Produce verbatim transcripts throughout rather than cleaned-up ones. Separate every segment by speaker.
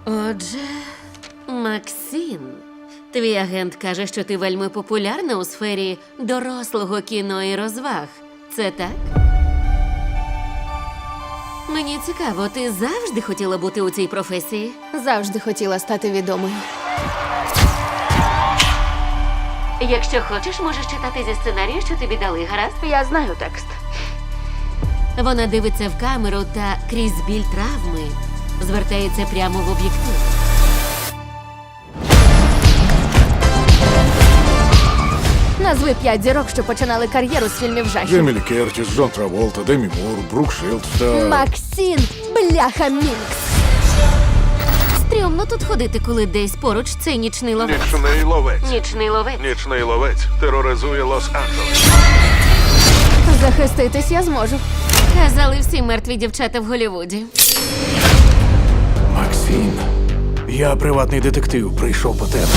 Speaker 1: Отже, Максим, твій агент каже, що ти вельми популярна у сфері дорослого кіно і розваг. Це так? Мені цікаво, ти завжди хотіла бути у цій професії?
Speaker 2: Завжди хотіла стати відомою.
Speaker 1: Якщо хочеш, можеш читати зі сценарію, що тобі дали, гаразд?
Speaker 2: Я знаю текст.
Speaker 1: Вона дивиться в камеру та крізь біль травми звертається прямо в об'єктив.
Speaker 2: Назви п'ять зірок, що починали кар'єру з фільмів жахів.
Speaker 3: Джемілі Кертіс, Джон Траволта, Демі Мур, Брук Шилдс та...
Speaker 2: Максим, бляха Мінкс.
Speaker 1: Стрьомно тут ходити, коли десь поруч цей нічний ловець.
Speaker 4: Нічний ловець.
Speaker 1: Нічний ловець.
Speaker 4: Нічний ловець тероризує Лос-Анджелес.
Speaker 2: Захиститись я зможу.
Speaker 1: Казали всі мертві дівчата в Голлівуді.
Speaker 3: Максим, я приватний детектив, прийшов по тебе.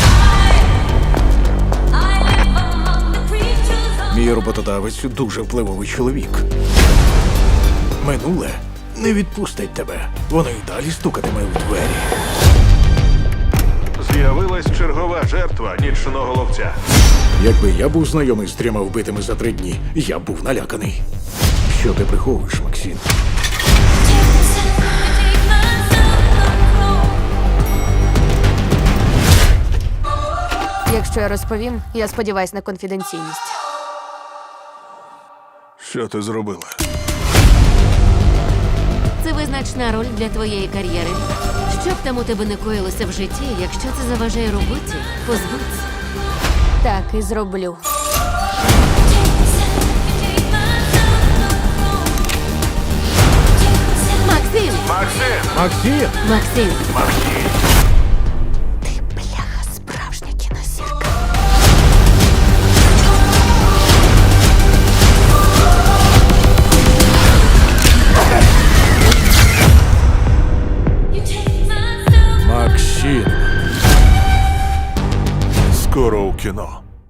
Speaker 3: Мій роботодавець дуже впливовий чоловік. Минуле не відпустить тебе. Воно й далі стукатиме у двері.
Speaker 4: З'явилась чергова жертва нічного ловця.
Speaker 3: Якби я був знайомий з трьома вбитими за три дні, я б був наляканий. Що ти приховуєш, Максим?
Speaker 2: Якщо я розповім, я сподіваюсь на конфіденційність.
Speaker 4: Що ти зробила?
Speaker 1: Це визначна роль для твоєї кар'єри. Що б там у тебе не коїлося в житті, якщо це заважає роботі, позбудься.
Speaker 2: Так і зроблю.
Speaker 1: Максим!
Speaker 4: Максим!
Speaker 3: Максим!
Speaker 1: Максим!
Speaker 4: Максим!
Speaker 2: Ти, бляха, справжня кінозірка.
Speaker 3: Максим!
Speaker 4: Скоро у кіно.